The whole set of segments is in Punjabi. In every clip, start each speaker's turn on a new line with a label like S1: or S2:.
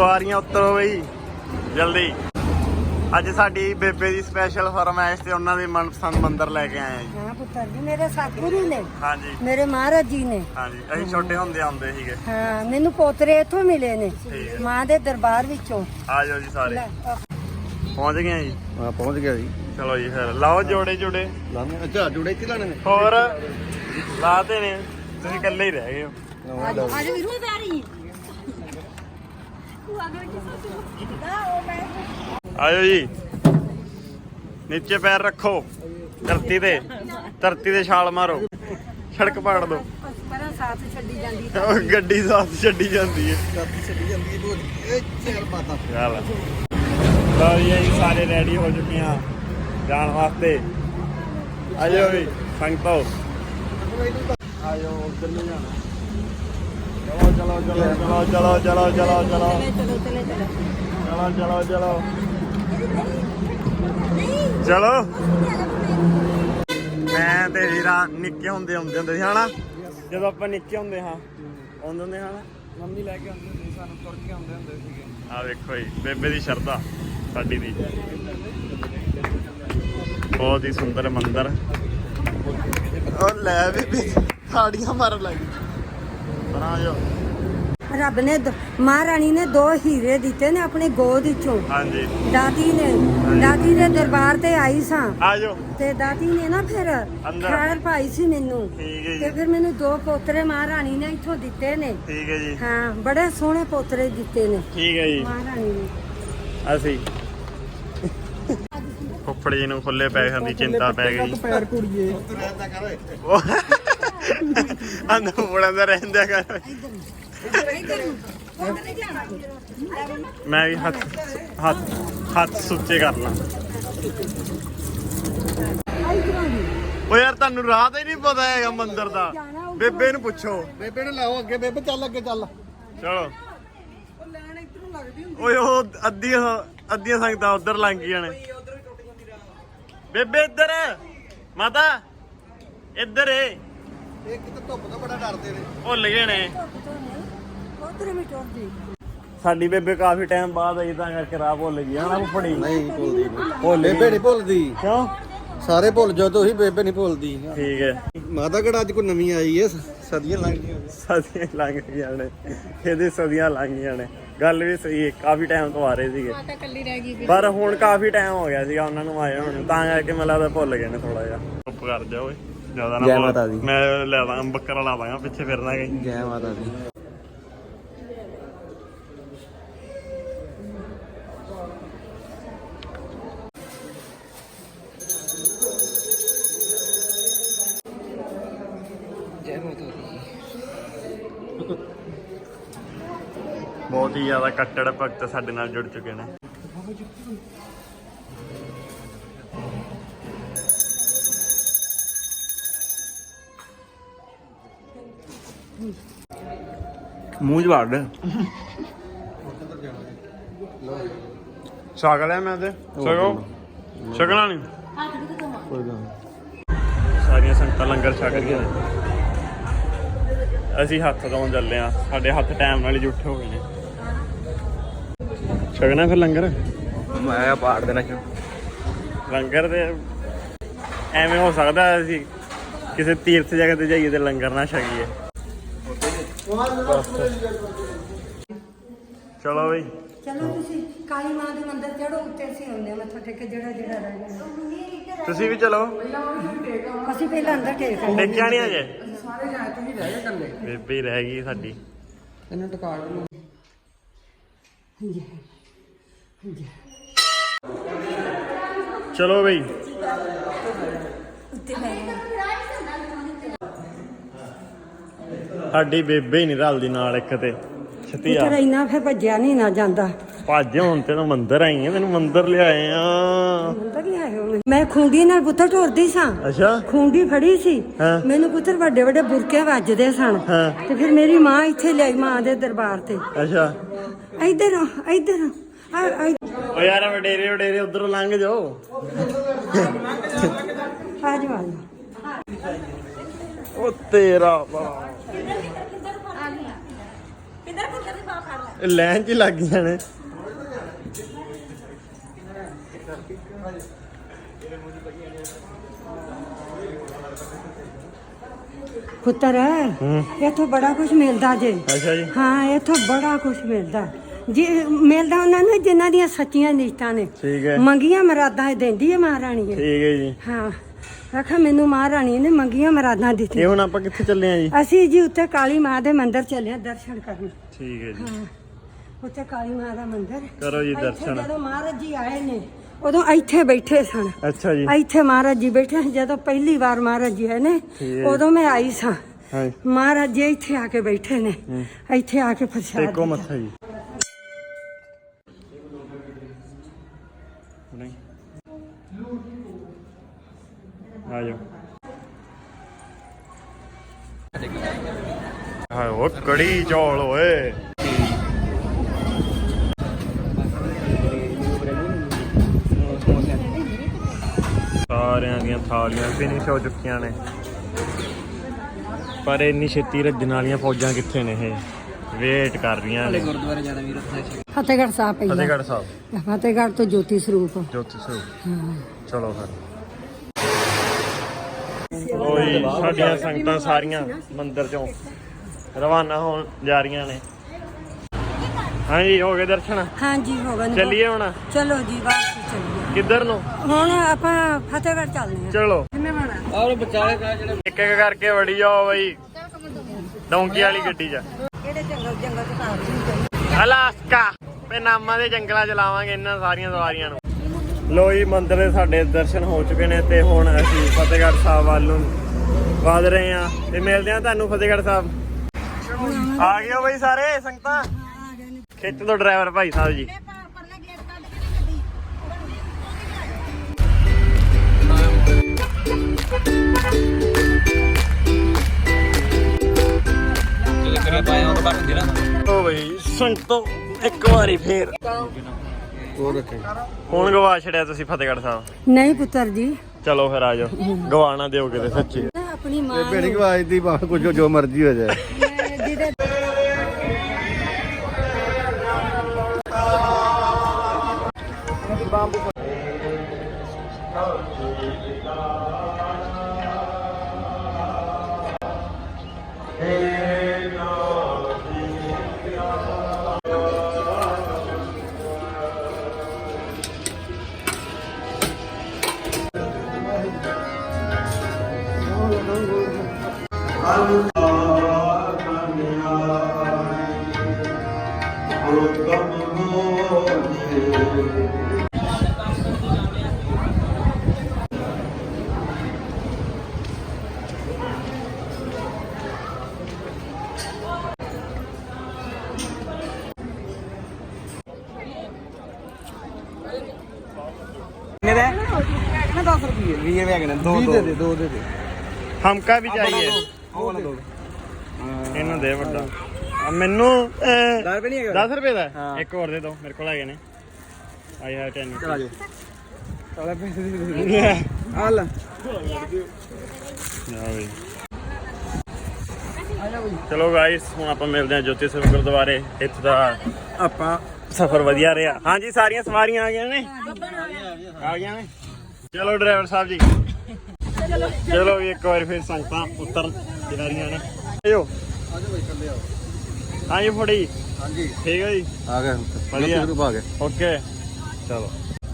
S1: ਸਵਾਰੀਆਂ ਉਤਰੋ ਬਈ ਜਲਦੀ। ਅੱਜ ਸਾਡੀ ਬੇਬੇ ਦੀ ਸਪੈਸ਼ਲ ਫਰਮਾਇਸ਼ ਤੇ ਉਹਨਾਂ ਦੇ ਮਨਪਸੰਦ ਮੰਦਿਰ ਲੈ ਕੇ ਆਏ ਆ ਜੀ।
S2: ਹਾਂ ਪੁੱਤਰ ਜੀ ਮੇਰੇ ਸਤਿਗੁਰੂ ਨੇ,
S1: ਹਾਂਜੀ
S2: ਮੇਰੇ ਮਹਾਰਾਜ ਜੀ ਨੇ।
S1: ਹਾਂਜੀ ਅਸੀਂ ਛੋਟੇ ਹੁੰਦੇ ਆਉਂਦੇ ਸੀਗੇ।
S2: ਹਾਂ ਮੈਨੂੰ ਪੋਤਰੇ ਇੱਥੋਂ ਮਿਲੇ ਨੇ
S1: ਠੀਕ ਹੈ।
S2: ਮਾਂ ਦੇ ਦਰਬਾਰ ਵਿੱਚੋਂ।
S1: ਆ ਜਾਓ ਜੀ ਸਾਰੇ।
S2: ਲੈ,
S1: ਪਹੁੰਚ ਗਏ ਆ ਜੀ।
S3: ਹਾਂ ਪਹੁੰਚ ਗਿਆ ਜੀ।
S1: ਚਲੋ ਜੀ ਫਿਰ ਲਾਓ ਜੋੜੇ ਜੋੜੇ।
S3: ਲਾਣੇ ਅੱਛਾ ਜੁੜੇ ਇੱਥੇ ਲਾਣੇ ਨੇ।
S1: ਹੋਰ ਲਾਤੇ ਨੇ, ਤੁਸੀਂ ਇਕੱਲੇ ਹੀ ਰਹਿ ਗਏ ਹੋ।
S2: ਅੱਜ ਵੀਰੂ ਪਿਆਰੀ
S1: ਆਜੋ ਜੀ, ਨੀਚੇ ਪੈਰ ਰੱਖੋ, ਧਰਤੀ ਤੇ ਛਾਲ ਮਾਰੋ, ਸੜਕ ਪਾੜ ਦੋ।
S2: ਪਰਾਂ ਸਾਥ ਛੱਡੀ ਜਾਂਦੀ
S1: ਉਹ ਗੱਡੀ ਸਾਥ ਛੱਡੀ ਜਾਂਦੀ ਹੈ।
S3: ਛੱਡੀ ਜਾਂਦੀ ਹੈ ਚੱਲ ਪਾਤਾ।
S1: ਚੱਲ ਲਓ ਜੀ ਅਸੀਂ ਸਾਰੇ ਰੈਡੀ ਹੋ ਚੁੱਕੇ ਹਾਂ ਜਾਣ ਵਾਸਤੇ। ਆਜੋ ਵੀ ਸੰਗਤੋ, ਆਜੋ ਉੱਧਰ ਨੂੰ ਜਾਣਾ। ਚਲੋ ਚਲੋ ਚਲੋ ਚਲੋ ਚਲੋ ਚਲੋ ਚਲੋ ਚਲੋ ਚਲੋ ਚਲੋ ਚਲੋ। ਮੈਂ ਤੇ ਵੀਰਾ ਨਿੱਕੇ ਹੁੰਦੇ ਸੀ ਹਨਾ, ਜਦੋਂ ਆਪਾਂ ਨਿੱਕੇ ਹੁੰਦੇ ਹੁੰਦੇ ਹਨਾ,
S3: ਮੰਮੀ ਲੈ ਕੇ ਆਉਂਦੀ ਹੁੰਦੀ ਸਾਨੂੰ, ਤੁਰ ਕੇ ਆਉਂਦੇ ਹੁੰਦੇ ਸੀਗੇ।
S1: ਆ ਵੇਖੋ ਜੀ ਬੇਬੇ ਦੀ ਸ਼ਰਧਾ ਸਾਡੀ ਦੀ। ਬਹੁਤ ਹੀ ਸੁੰਦਰ ਮੰਦਿਰ। ਉਹ ਲੈ ਬੇਬੇ ਤਾੜੀਆਂ ਮਾਰਨ ਲੱਗੀ। ਬਣਾ ਜੋ।
S2: ਰੱਬ ਨੇ ਮਹਾਰਾਣੀ ਨੇ 2 ਹੀਰੇ ਦਿੱਤੇ ਨੇ ਆਪਣੇ ਗੋਦ ਵਿੱਚੋਂ।
S1: ਹਾਂਜੀ
S2: ਦਾਦੀ ਦੇ ਦਰਬਾਰ ਤੇ ਆਈ ਸਾਂ
S1: ਆ ਜਾਓ।
S2: ਤੇ ਦਾਦੀ ਨੇ ਨਾ ਫਿਰ
S1: ਅੰਦਰ।
S2: ਖੈਰ ਪਾਈ ਸੀ ਮੈਨੂੰ,
S1: ਠੀਕ ਹੈ
S2: ਤੇ
S1: ਜੀ,
S2: ਫਿਰ ਮੈਨੂੰ 2 ਪੋਤਰੇ ਮਹਾਰਾਣੀ ਨੇ ਇੱਥੋਂ ਦਿੱਤੇ ਨੇ।
S1: ਠੀਕ ਹੈ ਜੀ,
S2: ਹਾਂ ਬੜੇ ਸੋਹਣੇ ਪੋਤਰੇ ਦਿੱਤੇ ਨੇ
S1: ਠੀਕ ਹੈ ਜੀ।
S2: ਮਹਾਰਾਣੀ ਨੇ।
S1: ਅਸੀਂ ਫੁੱਫੜ ਜੀ ਨੂੰ ਖੁੱਲੇ ਪੈਸਿਆਂ ਦੀ ਚਿੰਤਾ ਪੈ ਗਈ।
S3: ਪੈਰ ਕੁੜੀਏ
S1: ਅੰਦਰ ਮੁੜਨ ਦਾ ਰਹਿੰਦਾ ਕਰ। ਮੈਂ ਵੀ ਹੱਥ ਸੁੱਚੇ ਕਰ ਲਾਂ। ਓ ਯਾਰ ਤੁਹਾਨੂੰ ਰਾਹ ਤਾਂ ਹੀ ਨਹੀਂ ਪਤਾ ਹੈਗਾ ਮੰਦਿਰ ਦਾ, ਬੇਬੇ ਨੂੰ ਪੁੱਛੋ।
S3: ਬੇਬੇ ਨੂੰ ਲਾਓ ਅੱਗੇ, ਬੇਬੇ ਚੱਲ ਅੱਗੇ ਚੱਲ।
S1: ਚਲੋ ਓਏ ਉਹ ਅੱਧੀਆਂ ਸੰਗਤਾਂ ਉਧਰ ਲੰਘ ਗਈਆਂ ਨੇ। ਬੇਬੇ ਇੱਧਰ, ਮਾਤਾ ਇੱਧਰ ਏ।
S3: ਇੱਕ ਤਾਂ ਧੁੱਪ ਤੋਂ ਬੜਾ ਡਰਦੇ ਨੇ।
S1: ਭੁੱਲ ਗਏ ਨੇ।
S2: ਪੋਤਰੇ ਵੀ ਟੁੱਟਦੀ।
S1: ਸਾਡੀ ਬੇਬੇ ਕਾਫੀ ਟਾਈਮ ਬਾਅਦ ਆਈ ਤਾਂ ਕਰਕੇ ਰਾਹ ਭੁੱਲ ਗਈ ਹਨਾ ਫੁੱਫੜੀ।
S3: ਨਹੀਂ ਭੁੱਲਦੀ ਨਹੀਂ।
S1: ਭੁੱਲ
S3: ਬੇਬੇ ਨਹੀਂ ਭੁੱਲਦੀ।
S1: ਕਿਉਂ?
S3: ਸਾਰੇ ਭੁੱਲ ਜਾਓ ਤੁਸੀਂ, ਬੇਬੇ ਨਹੀਂ ਭੁੱਲਦੀ।
S1: ਠੀਕ ਹੈ।
S3: ਮਾਤਾ ਕਿਹੜਾ ਅੱਜ ਕੋਈ ਨਵੀਂ ਆਈ ਹੈ, ਸਦੀਆਂ ਲੰਘ ਗਈਆਂ।
S1: ਸਦੀਆਂ ਲੰਘ ਗਈਆਂ ਨੇ, ਇਹਦੇ ਸਦੀਆਂ ਲੰਘ ਗਈਆਂ ਨੇ। ਗੱਲ ਵੀ ਸਹੀ ਹੈ, ਕਾਫੀ ਟਾਈਮ ਤੋਂ ਆ ਰਹੇ ਸੀਗੇ, ਪਰ ਹੁਣ ਕਾਫੀ ਟਾਈਮ ਹੋ ਗਿਆ ਸੀਗਾ ਉਹਨਾਂ ਨੂੰ ਆਏ ਹੁਣ, ਤਾਂ ਕਰਕੇ ਮੈਨੂੰ ਲੱਗਦਾ ਭੁੱਲ ਗਏ ਨੇ ਥੋੜਾ ਜਿਹਾ। ਚੁੱਪ ਕਰ ਜਾ ਓਏ, ਜ਼ਿਆਦਾ ਨਾ
S3: ਜੈ ਮਾਤਾ ਦੀ।
S1: ਮੈਂ ਲੈ ਦਾਂ ਬੱਕਰਾ ਲਾ ਦਾਂਗਾ ਪਿੱਛੇ ਫਿਰਨਾ ਗਈ।
S3: ਜੈ ਮਾਤਾ ਦੀ। ਜੈ ਮਾਤਾ ਦੀ।
S1: ਬਹੁਤ ਹੀ ਜ਼ਿਆਦਾ ਕੱਟੜ ਭਗਤ ਸਾਡੇ ਨਾਲ ਜੁੜ ਚੁੱਕੇ ਨੇ। ਮੂੰਹ ਚ ਵੜ ਛਕ ਲਿਆ ਮੈਂ ਤੇ ਛਕਣਾ ਨਹੀਂ।
S3: ਕੋਈ ਗੱਲ
S1: ਸਾਰੀਆਂ ਸੰਗਤਾਂ ਲੰਗਰ ਛਕ ਰਹੀਆਂ ਨੇ। ਅਸੀਂ ਹੱਥ ਧੋਣ ਚੱਲੇ ਆ, ਸਾਡੇ ਹੱਥ ਟਾਈਮ ਨਾਲ ਹੀ ਜੁੱਠੇ ਹੋ ਗਏ ਨੇ। ਛਕਣਾ ਫਿਰ ਲੰਗਰ।
S3: ਮੈਂ ਪਾੜ ਦੇਣਾ ਸ਼ੁਰੂ।
S1: ਲੰਗਰ ਤੇ ਐਵੇਂ ਹੋ ਸਕਦਾ ਅਸੀਂ ਕਿਸੇ ਤੀਰਥ ਜਗ੍ਹਾ ਤੇ ਜਾਈਏ ਤੇ ਲੰਗਰ ਨਾ ਛਕੀਏ। ਚਲੋ ਬਈ
S2: ਚਲੋ ਤੁਸੀਂ ਕਾਲੀ ਮਾਂ ਦੇ ਮੰਦਿਰ ਚੜੋ, ਉੱਤੇ ਅਸੀਂ ਆਉਂਦੇ ਮੱਥਾ ਟੇਕ ਜਿਹੜਾ ਰਹਿ ਗਿਆ।
S1: ਤੁਸੀਂ ਵੀ ਚਲੋ।
S2: ਅਸੀਂ ਪਹਿਲਾਂ ਅੰਦਰ ਟੇਕ ਆਏ।
S1: ਦੇਖਿਆ ਨਹੀਂ ਅਜੇ,
S3: ਸਾਰੇ ਜਾਏ ਤੁਸੀਂ ਰਹਿ ਗਏ ਇਕੱਲੇ।
S1: ਬੇਬੇ ਹੀ ਰਹਿ ਗਈ ਸਾਡੀ।
S3: ਇਹਨੂੰ ਟਿਕਾ ਲਓ।
S1: ਚਲੋ ਬਈ ਸਾਡੀ ਬੇਬੇ ਹੀ ਨਹੀਂ ਰਲਦੀ ਨਾਲ ਇੱਕ ਤੇ ਛਤੀਆ।
S2: ਪੁੱਤਰ ਇੰਨਾ ਫਿਰ ਭੱਜਿਆ ਨਹੀਂ ਨਾ ਜਾਂਦਾ।
S1: ਭੱਜ ਹੁਣ ਤੈਨੂੰ ਮੰਦਿਰ ਆਈ ਆ, ਤੈਨੂੰ ਮੰਦਿਰ ਲਿਆਏ ਆ।
S2: ਮੰਦਰ ਲਿਆਏ ਹੋ? ਮੈਂ ਖੁੰਡੀ ਨਾਲ ਪੁੱਤਰ ਟੁਰਦੀ ਸਾਂ।
S1: ਅੱਛਾ
S2: ਖੁੰਡੀ ਫੜੀ ਸੀ।
S1: ਹਾਂ।
S2: ਮੈਨੂੰ ਪੁੱਤਰ ਵੱਡੇ ਵੱਡੇ ਬੁਰਕੇ ਵੱਜਦੇ ਸਨ।
S1: ਹਾਂ।
S2: ਤੇ ਫਿਰ ਮੇਰੀ ਮਾਂ ਇੱਥੇ ਲਿਆਈ ਮਾਂ ਦੇ ਦਰਬਾਰ ਤੇ।
S1: ਅੱਛਾ
S2: ਇੱਧਰ
S1: ਓ ਯਾਰ ਵਡੇਰੇ ਉਧਰੋਂ ਲੰਘ ਜਾਓ।
S2: ਆ ਜਾਓ।
S1: ਉਹ ਤੇਰਾ ਭਲਾ।
S4: ਪਿੰਦਰ ਦੀ ਬਾਹ ਫੜ ਲੈ।
S1: ਲਾਈਨ 'ਚ ਹੀ ਲੱਗ ਗਈਆਂ ਨੇ।
S2: ਪੁੱਤਰ ਇੱਥੋਂ ਬੜਾ ਕੁਝ ਮਿਲਦਾ ਜੇ।
S1: ਅੱਛਾ ਜੀ।
S2: ਹਾਂ ਇੱਥੋਂ ਬੜਾ ਕੁਝ ਮਿਲਦਾ ਜੀ, ਮਿਲਦਾ ਉਹਨਾਂ ਨੂੰ ਜਿਨ੍ਹਾਂ ਦੀਆਂ ਸੱਚੀਆਂ ਨੀਤਾਂ ਨੇ।
S1: ਠੀਕ ਹੈ।
S2: ਮੰਗੀਆਂ ਮਰਾਦਾਂ ਦਿੰਦੀ ਹੈ ਮਹਾਰਾਣੀ।
S1: ਠੀਕ ਹੈ ਜੀ।
S2: ਹਾਂ ਆਖਾ ਮੈਨੂੰ ਮਹਾਰਾਣੀ ਨੇ ਮੰਗੀਆਂ ਮਰਾਦਾਂ
S1: ਇਹ
S2: ਦਿੱਤੀਆਂ।
S1: ਹੁਣ ਆਪਾਂ ਕਿੱਥੇ ਚੱਲੇ ਆ ਜੀ?
S2: ਅਸੀਂ ਜੀ ਉੱਤੇ ਕਾਲੀ ਮਾਂ ਦੇ ਮੰਦਿਰ ਚੱਲੇ ਆ ਦਰਸ਼ਨ ਕਰਨ।
S1: ਠੀਕ ਹੈ ਜੀ।
S2: ਹਾਂ ਉੱਤੇ ਕਾਲੀ ਮਾਂ ਦਾ ਮੰਦਿਰ।
S1: ਕਰੋ ਜੀ
S2: ਇੱਥੇ
S1: ਦਰਸ਼ਨ।
S2: ਜਦੋਂ ਮਹਾਰਾਜ ਜੀ ਆਏ ਨੇ ਉਦੋਂ ਇੱਥੇ ਬੈਠੇ ਸਨ।
S1: ਅੱਛਾ ਜੀ।
S2: ਇੱਥੇ ਮਹਾਰਾਜ ਜੀ ਬੈਠੇ ਜਦੋਂ ਪਹਿਲੀ ਵਾਰ ਮਹਾਰਾਜ ਜੀ ਆਏ ਨੇ
S1: ਠੀਕ ਹੈ।
S2: ਉਦੋਂ ਮੈਂ ਆਈ ਸਾਂ।
S1: ਹਾਂ
S2: ਮਹਾਰਾਜ ਜੀ ਇੱਥੇ ਆ ਕੇ ਬੈਠੇ ਨੇ। ਇੱਥੇ ਆ ਕੇ ਪ੍ਰਸ਼ਾਦ
S1: ਟੇਕੋ
S2: ਦਿੱਤਾ।
S1: ਮੱਥਾ ਜੀ। ਨਹੀਂ ਆ ਜਾਓ। ਹਾਂ ਉਹ ਕੜੀ ਚੌਲ ਓਏ। ਸਾਰਿਆਂ ਦੀਆਂ ਥਾਲੀਆਂ ਫਿਨਿਸ਼ ਹੋ ਚੁੱਕੀਆਂ ਨੇ, ਪਰ ਇੰਨੀ ਛੇਤੀ ਰੱਜਣ ਵਾਲੀਆਂ ਫੌਜਾਂ ਕਿੱਥੇ ਨੇ? ਇਹ ਵੇਟ ਕਰ ਰਹੀਆਂ ਨੇ।
S3: ਗੁਰਦੁਆਰੇ ਜਾਣਾ ਵੀਰ
S2: ਫਤਿਹਗੜ੍ਹ ਸਾਹਿਬ ਪਹਿਲਾਂ।
S1: ਫਤਿਹਗੜ੍ਹ ਸਾਹਿਬ।
S2: ਫਤਿਹਗੜ੍ਹ ਤੋਂ ਜੋਤੀ ਸਰੂਪ।
S1: ਜੋਤੀ ਸਰੂਪ। ਚਲੋ ਫਿਰ ਓਏ ਸਾਡੀਆਂ ਸੰਗਤਾਂ ਸਾਰੀਆਂ ਮੰਦਿਰ ਚੋਂ ਰਵਾਨਾ ਹੋਣ ਜਾ ਰਹੀਆਂ ਨੇ। ਹਾਂਜੀ ਹੋ ਗਏ ਦਰਸ਼ਨ? ਹਾਂਜੀ
S2: ਹੋ ਗਏ।
S1: ਚੱਲੀਏ ਹੁਣ?
S2: ਚਲੋ ਜੀ ਵਾਪਸ ਚੱਲੀਏ।
S1: ਕਿੱਧਰ ਨੂੰ?
S2: ਹੁਣ ਆਪਾਂ ਫਤਿਹਗੜ੍ਹ ਚੱਲਦੇ ਹਾਂ।
S1: ਚਲੋ
S2: ਕਿੰਨੇ ਬਣਾ
S3: ਔਰ ਵਿਚਾਲੇ ਜਿਹੜਾ
S1: ਇੱਕ ਇੱਕ ਕਰਕੇ ਵੜੀ ਜਾਓ ਬਈ ਡੌਂਕੀ ਵਾਲੀ ਗੱਡੀ 'ਚ।
S2: ਕਿਹੜੇ ਜੰਗਲ ਚ ਤਾਂ
S1: ਅਲਾਸਕਾ ਤੇ ਨਾਮਾਂ ਦੇ ਜੰਗਲਾਂ 'ਚ ਲਾਵਾਂਗੇ ਇਹਨਾਂ ਸਾਰੀਆਂ ਸਵਾਰੀਆਂ ਨੂੰ। ਲੋ ਜੀ ਮੰਦਿਰ ਦੇ ਸਾਡੇ ਦਰਸ਼ਨ ਹੋ ਚੁੱਕੇ ਨੇ ਤੇ ਹੁਣ ਅਸੀਂ ਫਤਿਹਗੜ੍ਹ ਸਾਹਿਬ ਵੱਲ ਨੂੰ ਵਧ ਰਹੇ ਹਾਂ ਤੇ ਮਿਲਦੇ ਹਾਂ ਤੁਹਾਨੂੰ ਫਤਿਹਗੜ੍ਹ ਸਾਹਿਬ। ਆ ਗਏ ਹੋ ਬਈ ਸਾਰੇ ਸੰਗਤਾਂ? ਖਿੱਚ ਦੋ ਡਰਾਈਵਰ ਭਾਈ ਸਾਹਿਬ ਜੀ। ਓ ਬਈ ਸੰਗਤੋ ਇੱਕ ਵਾਰੀ ਫੇਰ ਹੁਣ ਗਵਾ ਛੜਿਆ ਤੁਸੀਂ ਫਤਿਹਗੜ੍ਹ ਸਾਹਿਬ।
S2: ਨਹੀਂ ਪੁੱਤਰ ਜੀ।
S1: ਚਲੋ ਫਿਰ ਆ ਜਾਓ, ਗਵਾਣਾ ਦਿਓ ਕਿਤੇ ਸੱਚੀ।
S2: ਆਪਣੀ ਮਾਂ
S4: ਭੈਣੀ ਆਵਾਜ਼ ਦੀ ਬਾਤ ਕੁਝ ਜੋ ਮਰਜ਼ੀ ਹੋ ਜਾਏ।
S2: ਜਿਹਦੇ
S3: ਕਿੰਨੇ ਦਾ 10 ਰੁਪਏ 20 ਰੁਪਏ ਕਿੰਨੇ ਦੋ ਦੋ ਦੇ ਦੇ
S1: ਹਮਕਾ ਵੀ ਚਾਹੀਏ
S3: ਉਹ ਵਾਲਾ ਦੋ
S1: ਇਹਨੂੰ ਦੇ ਵੱਡਾ ਮੈਨੂੰ
S3: 10 ਰੁਪਏ ਨਹੀਂ ਹੈਗਾ
S1: 10 ਰੁਪਏ ਦਾ
S3: ਹਾਂ।
S1: ਇੱਕ ਹੋਰ ਦੇ ਦਿਓ, ਮੇਰੇ ਕੋਲ ਹੈਗੇ ਨੇ। I have 10।
S3: ਚਲਾ ਜਾ ਚਲਾ ਪੈਸੇ ਦੇ ਆ ਲੈ
S1: ਚਲੋ ਗਾਇਸ ਹੁਣ ਆਪਾਂ ਮਿਲਦੇ ਹਾਂ ਜੋਤੀ ਸਰੂਪ ਗੁਰਦੁਆਰੇ। ਇੱਥੇ ਦਾ ਆਪਾਂ ਸਫ਼ਰ ਵਧੀਆ ਰਿਹਾ। ਹਾਂਜੀ ਸਾਰੀਆਂ ਸਵਾਰੀਆਂ ਆ ਗਈਆਂ ਨੇ? ਆ ਗਈਆਂ ਨੇ। ਚਲੋ ਡਰਾਈਵਰ ਸਾਹਿਬ ਜੀ ਚਲੋ ਵੀ ਇੱਕ ਵਾਰ ਫਿਰ ਸੰਗਤਾਂ ਉੱਤਰ ਜਾ ਰਹੀਆਂ ਨੇ। ਆਇਓ ਹਾਂਜੀ ਫੜੀ।
S4: ਹਾਂਜੀ
S1: ਠੀਕ ਹੈ ਜੀ।
S4: ਆ ਗਏ
S1: ਵਧੀਆ
S4: ਗਰੁੱਪ ਆ ਗਏ।
S1: ਓਕੇ ਚਲੋ।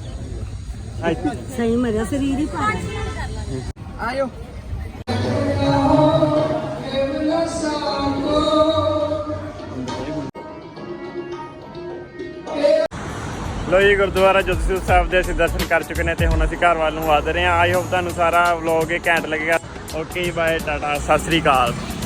S2: ਸਹੀ ਮਰਿਆ ਸਰੀਰ ਹੀ ਪਾ
S3: ਆਇਓ
S1: ਲੋ ਜੀ ਗੁਰਦੁਆਰਾ ਜੋਤੀ ਸਰੂਪ ਸਾਹਿਬ ਦੇ ਅਸੀਂ ਦਰਸ਼ਨ ਕਰ ਚੁੱਕੇ ਨੇ ਤੇ ਹੁਣ ਅਸੀਂ ਘਰ ਵੱਲ ਨੂੰ ਵਧ ਰਹੇ ਹਾਂ। ਆਈ ਹੋਪ ਤੁਹਾਨੂੰ ਸਾਰਾ ਵਲੌਗ ਇਹ ਘੈਂਟ ਲੱਗੇਗਾ। ਓਕੇ ਬਾਏ ਟਾਟਾ ਸਤਿ ਸ੍ਰੀ ਅਕਾਲ।